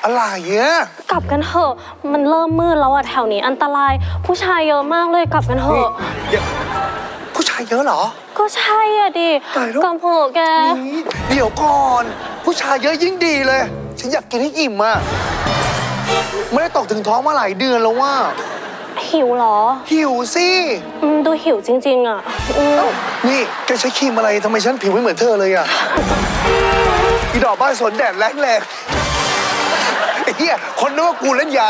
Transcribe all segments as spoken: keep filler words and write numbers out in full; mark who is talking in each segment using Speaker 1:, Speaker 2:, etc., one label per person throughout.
Speaker 1: อะไรเนี่ย
Speaker 2: กลับกันเถอะมันเริ่มมืดแล้วอะแถวนี้อันตรายผู้ชายเยอะมากเลยกลับกันเถอะ
Speaker 1: ผู้ชายเยอะเหรอ
Speaker 2: ก็ใช่อะดิกลับเถอะแก
Speaker 1: เดี๋ยวก่อนผู้ชายเยอะยิ่งดีเลยฉันอยากกินให้อิ่มอะไม่ได้ตกถึงท้องมาหลายเดือนแล้วว่า
Speaker 2: หิวเหรอ
Speaker 1: หิวสิ
Speaker 2: ดูหิวจริงๆอะ
Speaker 1: นี่แกใช้ครีมอะไรทำไมฉันผิวไม่เหมือนเธอเลยอะอีดอกบ้านสนแดดแรงแรงไอ้เหี้ยคนนึกว่ากูเล่นยา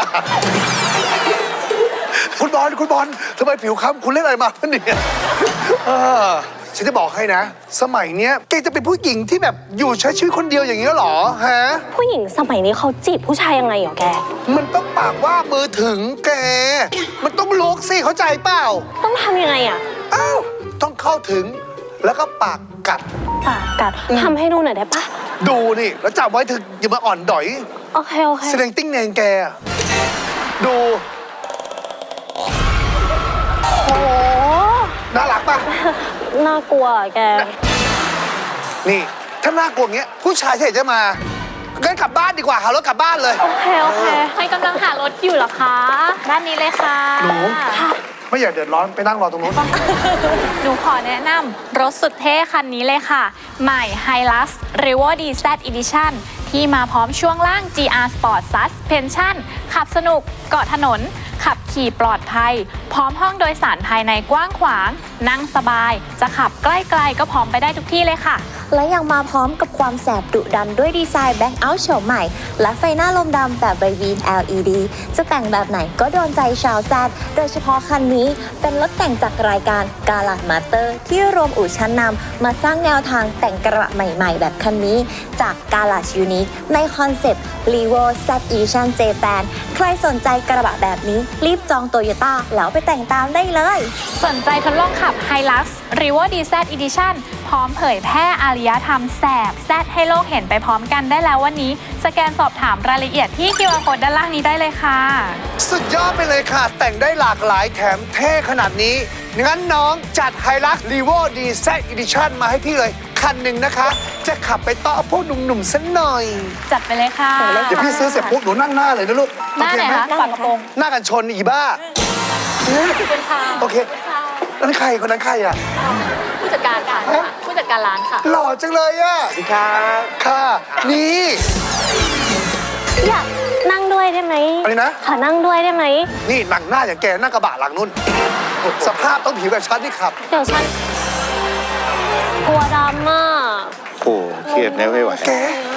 Speaker 1: คุณบอลคุณบอลทำไมผิวค้ำคุณเล่นอะไรมาเนี่ยฉันจะบอกให้นะสมัยเนี้ยแกจะเป็นผู้หญิงที่แบบอยู่ใช้ชีวิตคนเดียวอย่างนี้หรอฮะ
Speaker 2: ผู้หญิงสมัยนี้เขาจีบผู้ชายยังไงเหรอแก
Speaker 1: มันต้องปากว่ามือถึงแกมันต้องลุกสิเข้าใจเปล่า
Speaker 2: ต้องทำยังไงอ่ะ
Speaker 1: อ้าวต้องเข้าถึงแล้วก็ปากกัด
Speaker 2: ปากกัดทำให้ดูหน่อยได้ปะ
Speaker 1: ดูนี่แล้วจับไว้ถึงอย่ามาอ่อนดอย
Speaker 2: โอเคโอเค
Speaker 1: แสดงติ้งแนงแกดูโอ้น่ารักปะ
Speaker 2: น่ากลัวแก
Speaker 1: นี่ถ้าน่ากลัวเงี้ยผู้ชายที่ไหนจะมางั้นกลับบ้านดีกว่าหารถกลับบ้านเลย
Speaker 2: โอเคโอเคใครกำลังหารถอยู่เหรอคะด้านนี้เลยค่ะ
Speaker 1: หนูไม่อยากเดือดร้อนไปนั่งรอตรงนู้น
Speaker 3: หนูขอแนะนำรถสุดเท่คันนี้เลยค่ะใหม่ Hilux Revo ดี แซด Edition ที่มาพร้อมช่วงล่าง จี อาร์ Sport Suspension ขับสนุกเกาะถนนขับขี่ปลอดภัยพร้อมห้องโดยสารภายในกว้างขวางนั่งสบายจะขับใกล้ๆก็พร้อมไปได้ทุกที่เลยค่ะ
Speaker 4: และยังมาพร้อมกับความแสบดุดันด้วยดีไซน์แบ็คเอาท์โฉมใหม่และไฟหน้าลมดำแบบไบวีน แอล อี ดี จะแต่งแบบไหนก็โดนใจชาวแซดโดยเฉพาะคันนี้เป็นรถแต่งจากรายการกาลาดมาสเตอร์ที่รวมอู่ชั้นนำมาสร้างแนวทางแต่งกระบะใหม่ๆแบบคันนี้จากกาลาดยูนิคในคอนเซ็ปต์ Revo แซด Edition Japan ใครสนใจกระบะแบบนี้รีบจองโตโยต้าแล้วไปแต่งตามได้เลย
Speaker 3: สนใจทดลองขับ Hilux Revo ดี แซด Edition พร้อมเผยแพร่อารยธรรมแสบแซดให้โลกเห็นไปพร้อมกันได้แล้ววันนี้สแกนสอบถามรายละเอียดที่ คิว อาร์ Code ด้านล่างนี้ได้เลยค่ะ
Speaker 1: สุดยอดไปเลยค่ะแต่งได้หลากหลายแถมเท่ขนาดนี้งั้นน้องจัด Hilux Revo ดี แซด Edition มาให้พี่เลยคันหนึ่งนะคะจะขับไปต่อพวกหนุ่มๆสักหน่อย
Speaker 3: จัดไปเลยค่ะ
Speaker 1: เดี๋ยวพี่ซื้อเสร็จปุ๊บหนูนั่งหน้าเลยนะลูก
Speaker 3: หน้าไหนคะฝากระโปรง
Speaker 1: หน้ากันชนอีบ้าโอเคนั่นใครคนนั้นใครอ่ะ
Speaker 3: ผู้จัดการค่ะผู้จัดการร้านค่ะ
Speaker 1: หล่อจังเลยอ่ะสวัสดีครับค่ะนี่
Speaker 2: อยากนั่งด้วยได้ไหม
Speaker 1: อะไรนะ
Speaker 2: ขอนั่งด้วยได้ไหม
Speaker 1: นี่หนังหน้าอย่างแกนั่งกระบะหลังนู่นสภาพต้องผิวแบบฉันที่ขับ
Speaker 2: เดี๋ยวฉันกลัวดำมาก
Speaker 5: โอ้เครียดแน่ไม่ไหว
Speaker 1: แก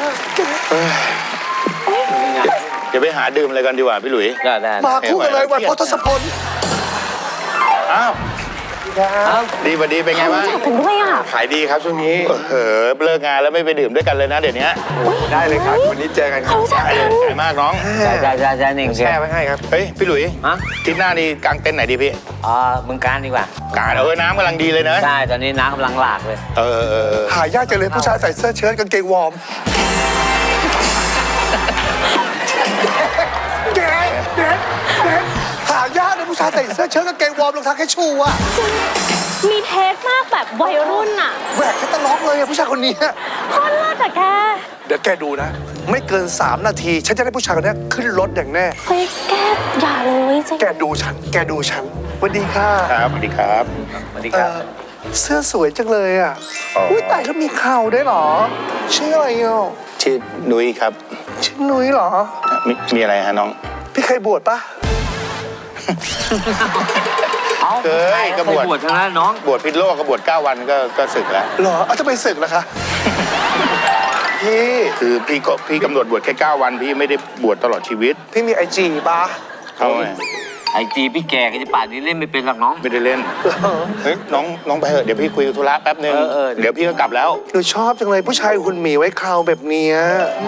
Speaker 5: จะไปหาดื่มอะไรกันดีกว่าพี่หลุย
Speaker 1: ได้ได้มาคู่กันเลยวันพทศพล
Speaker 5: อ้าวดีพอดีเป็นไงบ้าง
Speaker 2: ถึงด้วยอ่ะ
Speaker 5: ขายดีครับช่วงนี้เออเลิกงานแล้วไม่ไปดื่มด้วยกันเลยนะเดี๋ยวนี้
Speaker 1: ได้เลยครับวันนี้เจอกันครับ
Speaker 5: ใช่มากน้อง
Speaker 6: ใช่ใช่ใช่ใช่หนึ่ง
Speaker 1: แช่ไว้ให้ครับ
Speaker 5: เฮ้ยพี่หลุยทิศหน้านี่กางเต็นท์ไหนดีพี่
Speaker 6: อ๋อมึงการดีกว่า
Speaker 5: การเออน้ำกำลังดีเลยนะ
Speaker 6: ใช่ตอนนี้น้ำกำลังหลากเลย
Speaker 5: เออเออ
Speaker 1: หายากจังเลยผู้ชายใส่เสื้อเชิ้ตกางเกงวอร์มเด็กเด็กเด็กหายากเลยผู้ชายใส่เสื้อเชิ้ตกางเกงวอร์มรองเท้าแค่ชูอ่ะ
Speaker 2: มีเทสมากแบบวัยรุ่นอะ
Speaker 1: แหวกแค่ตะล็อกเลยอะผู้ชายคนนี้
Speaker 2: โคตรเลิศอะแก
Speaker 1: เดี๋ยวแกดูนะไม่เกินสามนาทีฉันจะได้ผู้ชายคนนี้ขึ้นรถอย่างแน่
Speaker 2: เฮ้ยแกอย่าเลยจ
Speaker 1: แกดูฉันแกดูฉันสวัสดีค่ะ
Speaker 5: ครับสวัสดีครับ
Speaker 6: สวัสดีครับ
Speaker 1: เสื้อสวยจังเลยอะอุ้ยแต่แล้วมีเข่าได้หรอชื่ออะไรอ่ะ
Speaker 5: ชื่อนุ้ยครับ
Speaker 1: ชื่อนุ้ยเหรอ
Speaker 5: มีมีอะไรฮะน้อง
Speaker 1: พี่เคยบวชปะ
Speaker 5: เคยก็บวช
Speaker 6: บวชทั้งนั้นน้อง
Speaker 5: บวชพิษโลกก็บวชเก้าวันก็ก็ศึกแล้ว
Speaker 1: เหรอเอาจะไปศึกแล้วคะพี่
Speaker 5: คือพี่ก็พี่กำหนดบวชแค่เก้าวันพี่ไม่ได้บวชตลอดชีวิต
Speaker 1: พี่มีไอจีปะ
Speaker 5: เอาไง
Speaker 6: ไอจีพี่แก่ก็จะป่านนี้เล่นไม่เป็นหรอกน้อง
Speaker 5: ไม่ได้เล่นเฮ้ยน้องน้องไปเถอะเดี๋ยวพี่คุยธุระแป๊บนึงเดี๋ยวพี่ก็กลับแล้ว
Speaker 1: หนูชอบจังเลยผู้ชายหุ่นหมีไว้คราวแบบเนี้ย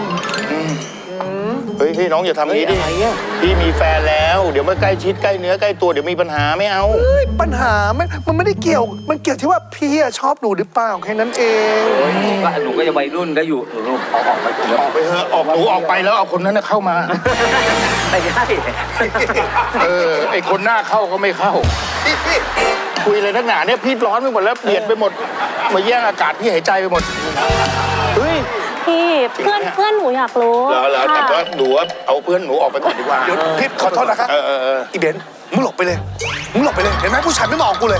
Speaker 5: เฮ้ยพี่น้องอย่าทำอย่างนี้ดิพี่มีแฟนแล้วเดี๋ยวมาใกล้ชิดใกล้เนื้อใกล้ตัวเดี๋ยวมีปัญหาไม่เอา
Speaker 1: ปัญหาไม่มันไม่ได้เกี่ยวมันเกี่ยวที่ว่าพี่ชอบหนูหรือเปล่าแค่นั้นเอง
Speaker 6: ก็หนูก็จะวัยรุ่นก็อยู่หนูออกออกไป
Speaker 5: ออกไปเถอะออกหนูออกไปแล้วเอาคนนั้นเข้ามา
Speaker 6: ไม่ใช่
Speaker 5: เออไอคนหน้าเข้าก็ไม่เข้าคุยอะไรนักหนาเนี่ยพี่ร้อนไปหมดแล้วเปลี่ยนไปหมดมาแย่งอากาศพี่หายใจไปหมด
Speaker 1: เฮ้ย
Speaker 2: พี่เพื่อนเพื่อนหนูอยากรู้
Speaker 5: เหรอเหรอแต่
Speaker 2: ค่ะ
Speaker 5: ว่าหนูว่าเอาเพื่อนหนูออกไปก่อนดีกว่า
Speaker 1: เดี๋ยวพี่ขอโทษนะครับ
Speaker 5: เออเออเออ
Speaker 1: อีเบนซ์มึงหลบไปเลย มึงหลบไปเลย เห็นไหมผู้ชายไม่มองกูเลย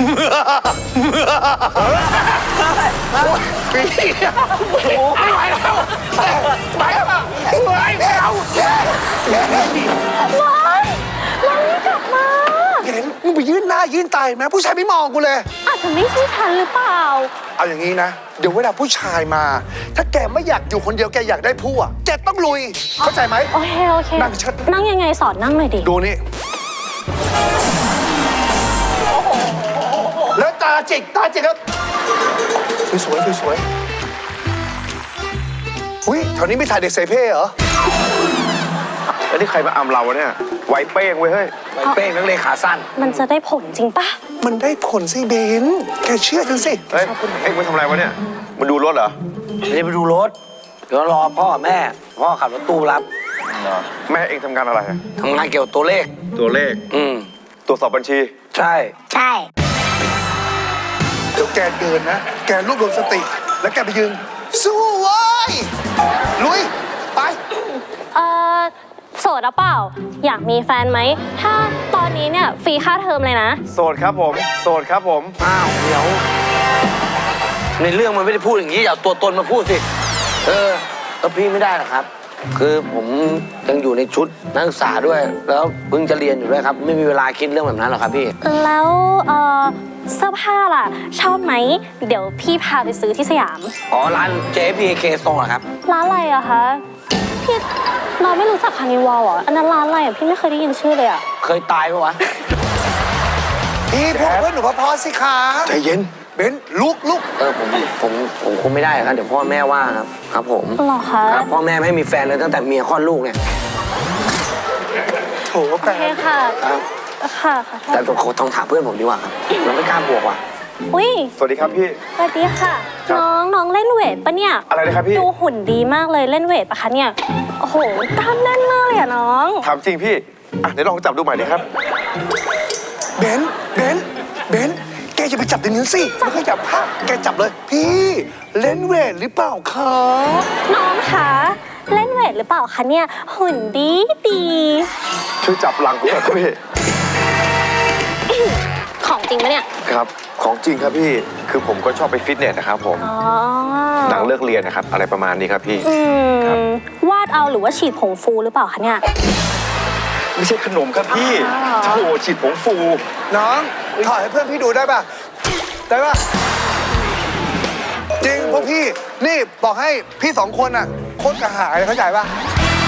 Speaker 1: โอ้ไม่ไหวแล้วไปแล้วไปแล้ว
Speaker 2: เราไม่กลับมา
Speaker 1: เห็นมึงไปยื่นหน้ายื่นตาเห็นไหมผู้ชายไม่มองกูเลย
Speaker 2: อาจจะไม่ใช่ฉันหรือเปล่า
Speaker 1: เอาอย่างนี้นะ เดี๋ยวเวลาผู้ชายมา ถ้าแกไม่อยากอยู่คนเดียวแกอยากได้ผู้อ่ะแกต้องลุย เข้าใจไหม
Speaker 2: โอเคโอเค
Speaker 1: นั่งเชิด
Speaker 2: นั่งยังไงสอนนั่งหน่อยดิ
Speaker 1: ดูนี่ แล้วตาจิกตาจิกแล้วสวยๆสวยๆอุ้ยแถวนี้ไม่ถ่ายเด็กใส่เพ่เหรอ
Speaker 5: แล้วนี่ใครมาอำเราวะเนี่ยไวเป้งเว้ยเฮ้ย
Speaker 6: ไวเป้งนักเลงขาสั้น
Speaker 2: มันจะได้ผลจริงปะ
Speaker 1: มันได้ผลสิเบนแกเชื่อฉันสิ
Speaker 5: เฮ้ยเอ็งมาทำอะไรวะเนี่ยมาดูรถเหรอ
Speaker 6: ไม่ได้ไปดูรถ เดี๋ยวรอพ่อแม่ พ่อขับรถตู้รับ
Speaker 5: แม่เอ็งทำงานอะไรอะ
Speaker 6: ทำงานเกี่ยวกับตัวเลข
Speaker 5: ตัวเลข
Speaker 6: อืม
Speaker 5: ตรวจสอบบัญชี
Speaker 6: ใช่
Speaker 4: ใช่
Speaker 1: เดี๋ยวแกเดินนะ แกรวบรวมสติ แล้วแกไปยืนสู้เว้ยลุย ไป
Speaker 2: เออโสดหรือเปล่า อยากมีแฟนไหม ถ้าตอนนี้เนี่ยฟรีค่าเทอมเลยนะ
Speaker 5: โสดครับผม โสดครับผม
Speaker 6: อ้าว เดี๋ยว ในเรื่องมันไม่ได้พูดอย่างนี้อย่าเอาตัวตนมาพูดสิ เออแล้วพี่ไม่ได้หรอกครับ คือผมยังอยู่ในชุดนักศึกษาด้วย แล้วเพิ่งจะเรียนอยู่ด้วยครับ ไม่มีเวลาคิดเรื่องแบบนั้นหรอกครับพี่
Speaker 2: แล้วเออเสื้อผ้าล่ะ ชอบไหม เดี๋ยวพี่พาไปซื้อที่สยาม
Speaker 6: อ๋อ ร้าน เจ พี เค Store เหรอครับ
Speaker 2: ร้านอะไรอะคะ พี่เราไม่รู้จักคานิวัลเหรอ อันนั้นร้านอะไรอะพี่ไม่เคยได้ยินชื่อเลยอะ
Speaker 6: เคยตายปะวะ
Speaker 1: พี่พูดเพื่อนหนูพอๆสิคะ
Speaker 5: ใจเย็น
Speaker 1: เบนลุกลุก
Speaker 6: เออผมผมผมคงไม่ได้ครับเดี๋ยวพ่อแม่ว่าครับครับผม
Speaker 2: หรอคะ
Speaker 6: ครับพ่อแม่ไม่ให้มีแฟนเลยตั้งแต่เมียคลอดลูกเนี่ย
Speaker 1: โถ
Speaker 2: โอ
Speaker 1: แป
Speaker 2: เคค่ะ
Speaker 6: ครับ
Speaker 2: ค่ะขอโท
Speaker 6: แต่
Speaker 2: ษ
Speaker 6: ผมต้องถามเพื่อนผมดีกว่าครับเราไม่กล้าบวกว่ะ
Speaker 2: อุ้ย
Speaker 5: สวัสดีครับพี่
Speaker 2: สวัสดีค่ะ
Speaker 5: ครับ
Speaker 2: น้องน้องเล่นเวทปะเนี่ย
Speaker 5: อะไรนะครับพี่
Speaker 2: ดูหุ่นดีมากเลยเล่นเวทปะคะเนี่ย โอ้โหกล้ามแน่นมากเลยอะน้อง
Speaker 5: ถามจริงพี่ อ่ะเดี๋ยวลองจับดูใหม่ดิครับ
Speaker 1: เบนเบนเบนแกจะไปจับในนี้สิไม่เคยจับผ้าแกจับเลย พี่เล่นเวทหรือเปล่าคะ
Speaker 2: น้องคะเล่นเวทหรือเปล่าคะเนี่ยหุ่นดีดี
Speaker 5: ช่วยจับหลังผมหน่อยครับพี่
Speaker 2: ของจริงปะเนี่ย
Speaker 5: ครับ ของจริงครับพี่ คือผมก็ชอบไปฟิตเนสนะครับผม
Speaker 2: อ๋อ
Speaker 5: หลังเลิกเรียนนะครับ อะไรประมาณนี้ครับพี่
Speaker 2: อื
Speaker 5: ครับ
Speaker 2: มวาดเอาหรือว่าฉีดผงฟูหรือเปล่าคะเนี่ย
Speaker 5: ไม่ใช่ขนมครับพี่
Speaker 2: อ๋อ
Speaker 5: โถฉีดผงฟู
Speaker 1: น้องถอดให้เพื่อนพี่ดูได้ป่ะ ได้ป่ะ จริงพวกพี่ นี่บอกให้พี่สองคนอ่ะโคตรกระหายเข้าใจป่ะ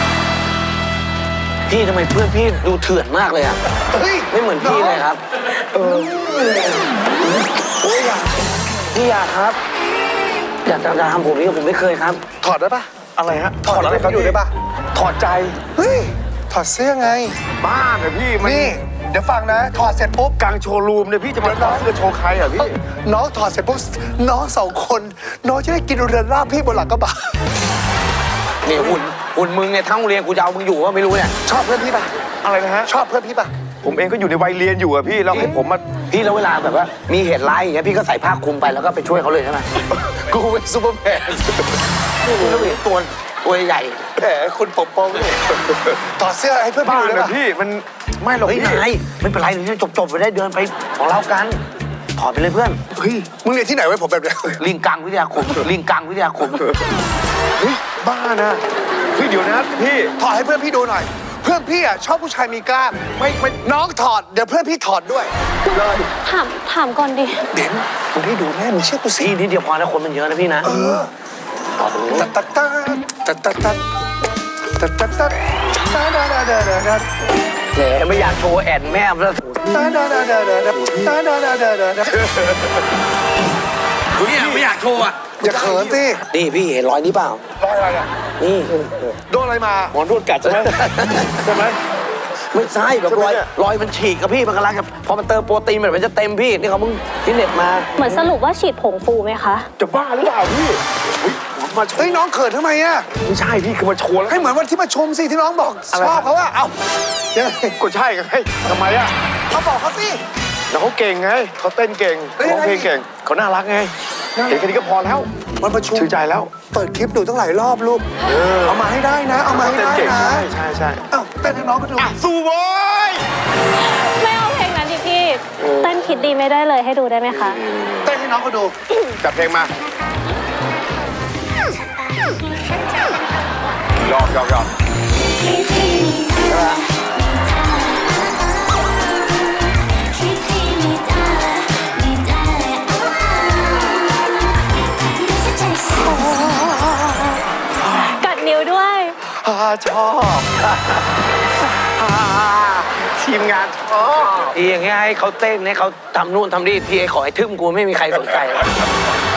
Speaker 6: พี่ทำไมเพื่อนพี่ดูเถื่อนมากเลยอ่ะ
Speaker 1: เฮ้ย
Speaker 6: ไม่เหมือนพี่เลยครับ พี่อยากครับ อยากจะทำผมนี่ผมไม่เคยครับ
Speaker 1: ถอดได้ป่ะ
Speaker 5: อะไรฮะ
Speaker 1: ถอดอะไรครับ
Speaker 5: พี่
Speaker 1: ดูได้ป่ะ
Speaker 5: ถอดใจ
Speaker 1: เฮ้ย ถอดเสื้อไง
Speaker 5: บ้าเหรอพี่มัน
Speaker 1: นี่ เดี๋ยวฟังนะ ถอดเสร็จปุ๊บ
Speaker 5: กลางโชว์รูมเนี่ยพี่จะมาถอดเสื้อโชว์ใครเหรอพี่
Speaker 1: น้องถอดเสร็จปุ๊บ น้องสองคน น้องจะได้กินเรือนร่างพี่บนหลังกระบะ
Speaker 6: นี่หุ่นหุ่นมึงเนี่ยทั้งโรงเรียนกูจะเอามึงอยู่ว่าไม่รู้เนี่ย
Speaker 1: ชอบเพื่อนพี่ป่ะ
Speaker 5: อะไรนะฮะ
Speaker 1: ชอบเพื่อนพี่ป่ะ
Speaker 5: ผมเองก็อยู่ในวัยเรียนอยู่อะพี่แล้วให้ผมมา
Speaker 6: พี่แล้วเวลาแบบว่ามีเหตุร้ายอย่างเงี้ยพี่ก็ใส่ผ้าคลุมไปแล้วก็ไปช่วยเขาเลยใช่ไหม
Speaker 1: กูเป็นซูเปอร์แมน
Speaker 6: พี่แล้วเห็นตัวตัวใหญ่
Speaker 1: แหมคุณปกป้องเนี่ยถอดเสื้อให้เพื่อนพี่
Speaker 5: บ้า
Speaker 1: ดูได้
Speaker 5: เหรอ
Speaker 1: ป่ะ
Speaker 5: พี่มันไม่หรอก
Speaker 6: เฮ้ย
Speaker 5: พี่
Speaker 6: นายไม่เป็นไรเดี๋ยวจบจบๆไปได้เดินไปของเรากันถอดไปเลยเพื่อน
Speaker 1: เฮ้ย มึงเรียนที่ไหนไว้ผมแบบเนี้ย
Speaker 6: ลิงกังวิทยาคมลิงกังวิทยาคม
Speaker 5: เฮ้ยบ้านะเฮ้ยเดี๋ยวนะพี่
Speaker 1: ถอดให้เพื่อนพี่ดูหน่อย เพื่อนพี่อ่ะชอบผู้ชายมีกล้าม ไม่ไม่น้องถอด เดี๋ยวเพื่อนพี่ถอดด้วย เลย
Speaker 2: ถามถามก่อนดิ
Speaker 1: เบนมึงให้ดูแม่มึงเชื่อกูสิ
Speaker 6: พี่นิดเดียวพอนะคนมันเยอะนะพี่นะ
Speaker 1: เออตัดตัดตัดตัดตัดตัดตัดตัดตัดตัดตัดตัดตัดตัดตัด
Speaker 6: แหมไม่อยากโชว์แอนแม่แล้ว
Speaker 1: ตัดตัดตัดตัดตัดตัดตัดตัด
Speaker 6: พี่ไม่อยากโชว์อ่ะ
Speaker 1: อย่าเขินสิ
Speaker 6: นี่พี่เห็นรอยนี้เปล่าร
Speaker 1: อยอะไรอ่ะ
Speaker 6: นี่
Speaker 1: โดนอะไรมา
Speaker 5: หมอนวดกัดใช่ไหมใช่ไหม
Speaker 6: ไม่ใช่แบบรอย
Speaker 5: ใช่ไหมเนี่ย
Speaker 6: รอยมันฉีกกับพี่มันกำลังจะพอมันเติมโปรตีนมันจะเต็มพี่นี่เขาเพิ่งฟิตเนสมา
Speaker 2: เหมือนสรุปว่าฉีดผงฟูไหมคะ
Speaker 5: จะบ้าหรือเปล่าพี่เฮ้ยมาโช
Speaker 1: เฮ้ย
Speaker 5: ว์
Speaker 1: น้องเขินทำไมอ่ะ
Speaker 5: ไม่ใช่พี่คือมาโชว์แล้ว
Speaker 1: ให้เหมือนวันที่มาชมสิที่น้องบอกชอบเขาอ่ะเอ้ายังไง
Speaker 5: ก็ใช่ไงทำไมอะ
Speaker 1: เขาบอกเขาสิ
Speaker 5: แล้วเขาเก่งไงเขาเต้นเก่ง
Speaker 1: แล้วยั
Speaker 5: ร้อง ง
Speaker 1: ไง
Speaker 5: เพลงเก่งเขาน่ารักไงเห็นแค่นี้ก็พอแล้ว
Speaker 1: วันประชุม
Speaker 7: ชื่นใจแล้ว
Speaker 1: เปิดคลิปดูตั้งหลายรอบลูก เอามาให้ได้นะ เอามาให้
Speaker 7: เต้น
Speaker 1: ได้
Speaker 7: เก่ง
Speaker 1: นะ
Speaker 7: ใช่ใช่ใช่
Speaker 1: เอ้าเต้นให้น้องก็ดู
Speaker 5: สู้โว้ย
Speaker 2: ไม่เอาเพลงนั้นดิพี่ เต้นคิดดีไม่ได้เลยให้ดูได้ไหมคะ
Speaker 1: เต้นให้น้องก็ดู
Speaker 7: จัดเพลงมาหยอกหยอกหยอก
Speaker 2: กัดนิ้วด้วย
Speaker 7: อ่าชอบอ่าทีมงานชอบ
Speaker 6: ทีอย่างเงี้ยให้เขาเต้นให้เขาทำนู่นทำนี่ทีไอ้ขอให้ทึ่มกูไม่มีใครสนใจ